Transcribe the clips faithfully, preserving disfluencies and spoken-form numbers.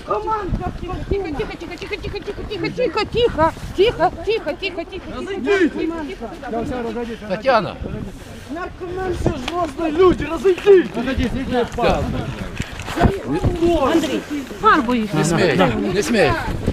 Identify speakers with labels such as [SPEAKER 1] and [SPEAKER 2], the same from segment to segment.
[SPEAKER 1] Наркоманка! Тихо, тихо, тихо, тихо, тихо, тихо, тихо, тихо, тихо, тихо, тихо, тихо, тихо.
[SPEAKER 2] Татьяна!
[SPEAKER 1] Наркоманка, злостные люди, разойдись! Андрей, фарбу их.
[SPEAKER 2] Не смей, не смей.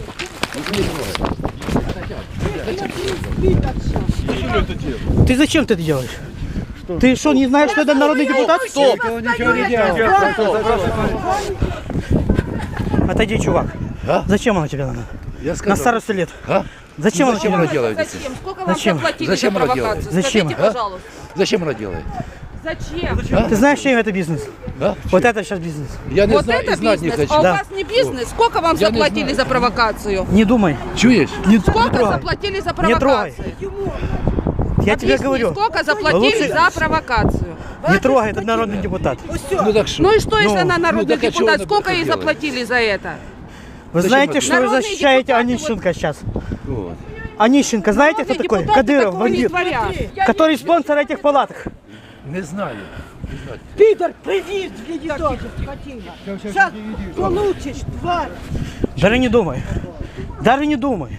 [SPEAKER 3] Ты зачем ты это делаешь? Что? Ты что, не знаешь, что это народный депутат? Стоп!
[SPEAKER 1] Ничего не делал.
[SPEAKER 3] Отойди, чувак.
[SPEAKER 2] А?
[SPEAKER 3] Зачем она тебе надо?
[SPEAKER 2] Я сказал.
[SPEAKER 3] На старости лет.
[SPEAKER 2] А?
[SPEAKER 3] Зачем она
[SPEAKER 2] Зачем
[SPEAKER 3] тебе
[SPEAKER 2] она
[SPEAKER 3] надо?
[SPEAKER 2] делает?
[SPEAKER 4] Зачем? Сколько вам
[SPEAKER 3] Зачем?
[SPEAKER 4] заплатили
[SPEAKER 2] Зачем
[SPEAKER 4] за
[SPEAKER 2] она
[SPEAKER 4] провокацию?
[SPEAKER 2] делает?
[SPEAKER 3] Зачем?
[SPEAKER 4] Скажите,
[SPEAKER 2] А?
[SPEAKER 4] пожалуйста.
[SPEAKER 2] Зачем она делает?
[SPEAKER 4] Зачем?
[SPEAKER 2] А?
[SPEAKER 3] Ты знаешь, чем это бизнес?
[SPEAKER 2] А?
[SPEAKER 3] Вот это сейчас бизнес.
[SPEAKER 2] Я не
[SPEAKER 4] Вот
[SPEAKER 2] знаю,
[SPEAKER 4] это
[SPEAKER 2] и знать
[SPEAKER 4] бизнес,
[SPEAKER 2] не
[SPEAKER 4] а
[SPEAKER 2] хочу.
[SPEAKER 4] у
[SPEAKER 3] Да.
[SPEAKER 4] вас не бизнес. Сколько вам
[SPEAKER 2] Я не
[SPEAKER 4] заплатили
[SPEAKER 2] знаю.
[SPEAKER 4] за провокацию?
[SPEAKER 3] Не думай.
[SPEAKER 2] Чуешь?
[SPEAKER 3] Не,
[SPEAKER 4] Сколько
[SPEAKER 3] не трогай.
[SPEAKER 4] заплатили за
[SPEAKER 3] Не трогай.
[SPEAKER 4] провокацию?
[SPEAKER 3] Я тебе
[SPEAKER 4] Объясни,
[SPEAKER 3] говорю.
[SPEAKER 4] сколько заплатили
[SPEAKER 3] Лучше-
[SPEAKER 4] за провокацию?
[SPEAKER 3] Не трогай, это народный депутат.
[SPEAKER 2] Ну так что?
[SPEAKER 4] Ну и что, если
[SPEAKER 3] Ну,
[SPEAKER 4] она народный
[SPEAKER 2] ну так а чего
[SPEAKER 4] депутат?
[SPEAKER 2] она
[SPEAKER 4] Сколько
[SPEAKER 2] это
[SPEAKER 4] ей
[SPEAKER 2] делает?
[SPEAKER 4] заплатили за это?
[SPEAKER 3] Вы
[SPEAKER 2] Зачем
[SPEAKER 3] знаете,
[SPEAKER 2] это?
[SPEAKER 3] что вы
[SPEAKER 4] Народные
[SPEAKER 3] защищаете
[SPEAKER 4] депутаты,
[SPEAKER 3] Онищенко сейчас?
[SPEAKER 2] Вот.
[SPEAKER 3] Онищенко, знаете, кто
[SPEAKER 4] Народные
[SPEAKER 3] такой?
[SPEAKER 4] депутаты
[SPEAKER 3] Кадыров,
[SPEAKER 4] такого не
[SPEAKER 3] бандит,
[SPEAKER 4] творят.
[SPEAKER 3] который спонсор этих палаток.
[SPEAKER 2] Не знаю. Не знаю.
[SPEAKER 1] Пидор, привет, видишь, скотина. Сейчас получишь, тварь.
[SPEAKER 3] Даже не думай. Даже не думай.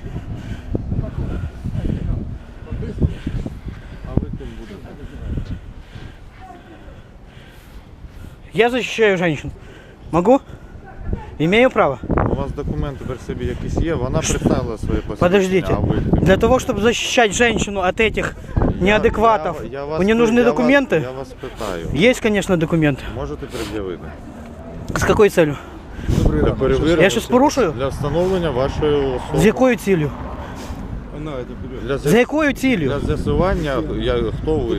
[SPEAKER 3] Я защищаю женщин. Могу? Имею право.
[SPEAKER 5] У вас документи при собі якісь є, вона представила своє посвідчення,
[SPEAKER 3] Подождите.
[SPEAKER 5] а ви...
[SPEAKER 3] Для того, чтобы защищать женщину от этих неадекватов,
[SPEAKER 5] Я- я вас
[SPEAKER 3] мне
[SPEAKER 5] пи-
[SPEAKER 3] нужны
[SPEAKER 5] я
[SPEAKER 3] документы?
[SPEAKER 5] Вас, я вас питаю.
[SPEAKER 3] Есть, конечно, документы.
[SPEAKER 5] Можете пред'явити?
[SPEAKER 3] С какой целью?
[SPEAKER 5] Для перевірки,
[SPEAKER 3] Я щось порушую?
[SPEAKER 5] Для встановлення вашої особи.
[SPEAKER 3] З якою цілею?
[SPEAKER 5] Для,
[SPEAKER 3] За
[SPEAKER 5] з'я-
[SPEAKER 3] якою цілею?
[SPEAKER 5] для з'ясування, я, хто ви.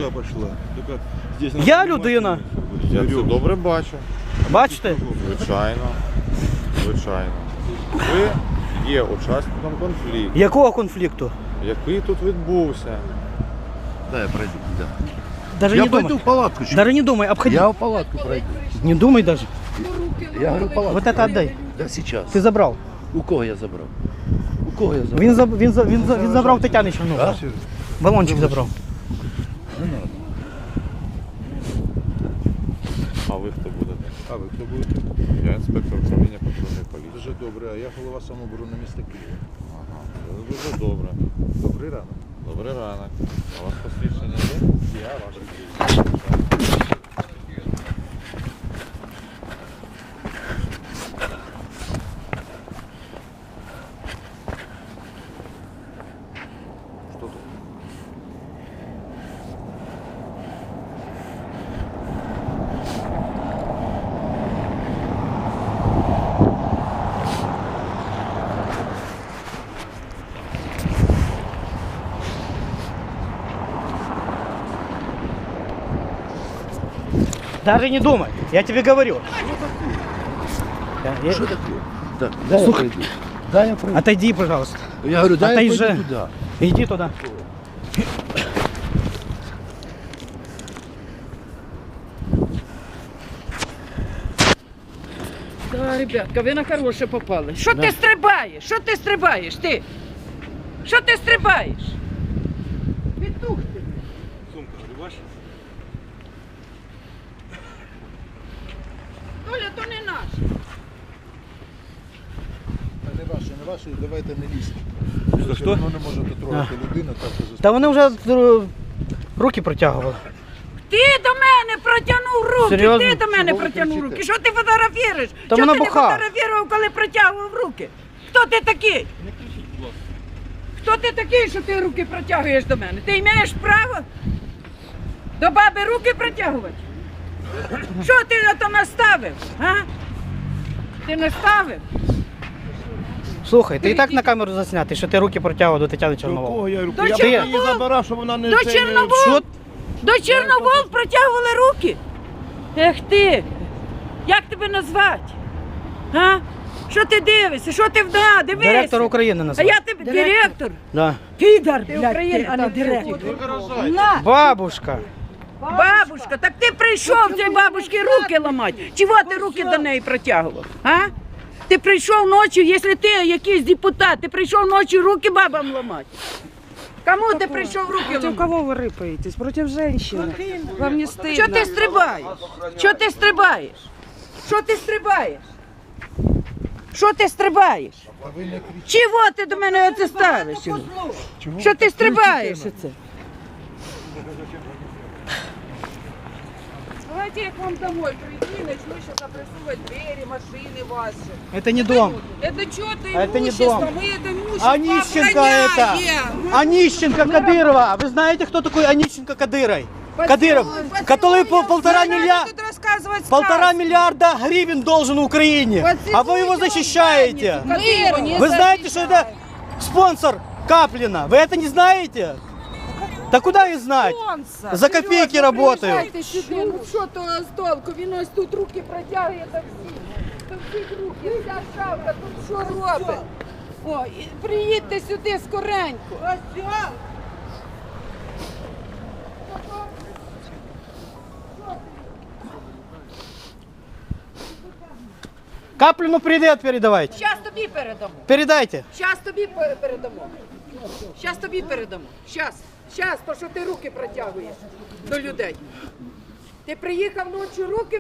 [SPEAKER 3] Я людина.
[SPEAKER 5] Я це добре бачу.
[SPEAKER 3] Бачите?
[SPEAKER 5] Звичайно. Звичайно. Ви є учасником конфлікту,
[SPEAKER 3] Якого конфлікту?
[SPEAKER 5] який тут відбувся.
[SPEAKER 2] Да, я пройду. Да.
[SPEAKER 3] Даже
[SPEAKER 2] Я
[SPEAKER 3] не
[SPEAKER 2] пойду
[SPEAKER 3] думай.
[SPEAKER 2] в палатку. чё?
[SPEAKER 3] Даже не думай, обходи.
[SPEAKER 2] Я в палатку пройду.
[SPEAKER 3] Не думай даже.
[SPEAKER 2] Я говорю, в палатку.
[SPEAKER 3] Вот это отдай.
[SPEAKER 2] Да сейчас.
[SPEAKER 3] Ти забрав.
[SPEAKER 2] У кого я забрав? У кого я забрав?
[SPEAKER 3] Він, заб... він, за- він, за- він забрав Тетяни Чернову.
[SPEAKER 2] А?
[SPEAKER 3] Балончик забрав.
[SPEAKER 5] А ви хто будете?
[SPEAKER 6] А ви хто будете?
[SPEAKER 5] Я інспектор управління патрульної поліції.
[SPEAKER 6] Дуже добре, а я голова самооборони міста Києва.
[SPEAKER 5] Ага, це дуже добре.
[SPEAKER 6] Добрий ранок.
[SPEAKER 5] Добрий ранок. А у вас посвідчення є?
[SPEAKER 6] Я ваш. Що тут?
[SPEAKER 3] Даже не думай. Я тебе говорю. Я- я-
[SPEAKER 2] Что такое? Да, дай я пройду. Дай я пройду.
[SPEAKER 3] Отойди, пожалуйста.
[SPEAKER 2] Я говорю, дай я
[SPEAKER 3] Отойди.
[SPEAKER 2] пойду туда.
[SPEAKER 3] Иди туда.
[SPEAKER 4] Да, ребятка, ви на хороше попали. Що ти стрибаєш? Що ти стрибаєш? Ти? Що ти стрибаєш? Петух ти.
[SPEAKER 6] Сумка, ви ваша?
[SPEAKER 4] Толя, то не наш.
[SPEAKER 6] А не ваша, не ваша, давайте не лізьте.
[SPEAKER 3] Що, що?
[SPEAKER 6] Ви не можете трогати людину, так що
[SPEAKER 3] Та вони вже е, руки протягували.
[SPEAKER 4] Ти до мене протягнув руки,
[SPEAKER 3] Серйозно?
[SPEAKER 4] ти до мене
[SPEAKER 6] Чого ви
[SPEAKER 4] протягнув
[SPEAKER 6] кричите?
[SPEAKER 4] руки. Що ти фотографуєш?
[SPEAKER 3] Та
[SPEAKER 4] Що
[SPEAKER 3] вона
[SPEAKER 4] ти не
[SPEAKER 3] буха.
[SPEAKER 4] фотографував, коли протягував руки? Хто ти такий? Хто ти такий, що ти руки протягуєш до мене? Ти маєш право до баби руки протягувати? Що ти на то наставив? А? Ти наставив?
[SPEAKER 3] Слухай, ти і так на камеру заснятий, що ти руки протягував до Тетяни Чорновол.
[SPEAKER 6] я руку?
[SPEAKER 4] До
[SPEAKER 6] Я
[SPEAKER 4] Чорновол?
[SPEAKER 6] її забирав, щоб вона не...
[SPEAKER 4] До
[SPEAKER 6] це не-
[SPEAKER 4] Чорновол?
[SPEAKER 3] Що?
[SPEAKER 4] До Чорновол протягували руки? Ех ти! Як тебе назвати? А? Що ти дивишся? Що ти вда? Дивися!
[SPEAKER 3] Директор України
[SPEAKER 4] А
[SPEAKER 3] назвав.
[SPEAKER 4] я тебе директор?
[SPEAKER 3] Да.
[SPEAKER 1] Підар,
[SPEAKER 4] Ти
[SPEAKER 1] блядь,
[SPEAKER 4] Україна,
[SPEAKER 1] ти, а не
[SPEAKER 4] там
[SPEAKER 1] директор.
[SPEAKER 4] ти.
[SPEAKER 1] На!
[SPEAKER 3] Бабушка.
[SPEAKER 4] Бабушка, так ти прийшов цій бабушці руки ламати. Чого ти руки до неї протягував? А? Ти прийшов ночі, якщо ти якийсь депутат, ти прийшов ночі руки бабам ламати. Кому ти прийшов руки
[SPEAKER 7] Против
[SPEAKER 4] ламати?
[SPEAKER 7] кого вы рыпаетесь? Против женщины. Вам не стыдно?
[SPEAKER 4] Що ти стрибаєш? Що ти стрибаєш? Що ти стрибаєш? Що ти стрибаєш? Чого ти до мене оце ставиш? Що ти стрибаєш оце?
[SPEAKER 1] Давайте я к вам домой приду и начну сейчас опрессовывать двери, машины ваши.
[SPEAKER 3] Это не дом.
[SPEAKER 1] Это что-то
[SPEAKER 3] А это не
[SPEAKER 1] имущество,
[SPEAKER 3] дом.
[SPEAKER 1] мы это имущество
[SPEAKER 3] Онищенко это.
[SPEAKER 1] охраняем.
[SPEAKER 3] Онищенко Кадырова. Вы знаете, кто такой Онищенко Кадырой? Кадыров, который по полтора миллиарда,
[SPEAKER 1] Тут рассказывать
[SPEAKER 3] полтора
[SPEAKER 1] сказки.
[SPEAKER 3] миллиарда гривен должен Украине. А вы его защищаете.
[SPEAKER 1] Мы его не
[SPEAKER 3] Вы знаете, что это спонсор Каплина? Вы это не знаете? Да куда и знать? За копейки работают.
[SPEAKER 4] Приїжджайте сюди, ну що то з толку? Він ось тут руки протягує до всіх. До всіх руки, вся шавка тут що робить? О, і приїдьте сюди скоренько.
[SPEAKER 3] Каплину привет передавайте.
[SPEAKER 4] Щас тобі передамо.
[SPEAKER 3] Передайте.
[SPEAKER 4] Щас тобі пе- передамо. Щас тобі передамо. Щас. Щас, то що ти руки протягуєш до людей. Ти приїхав ночі руки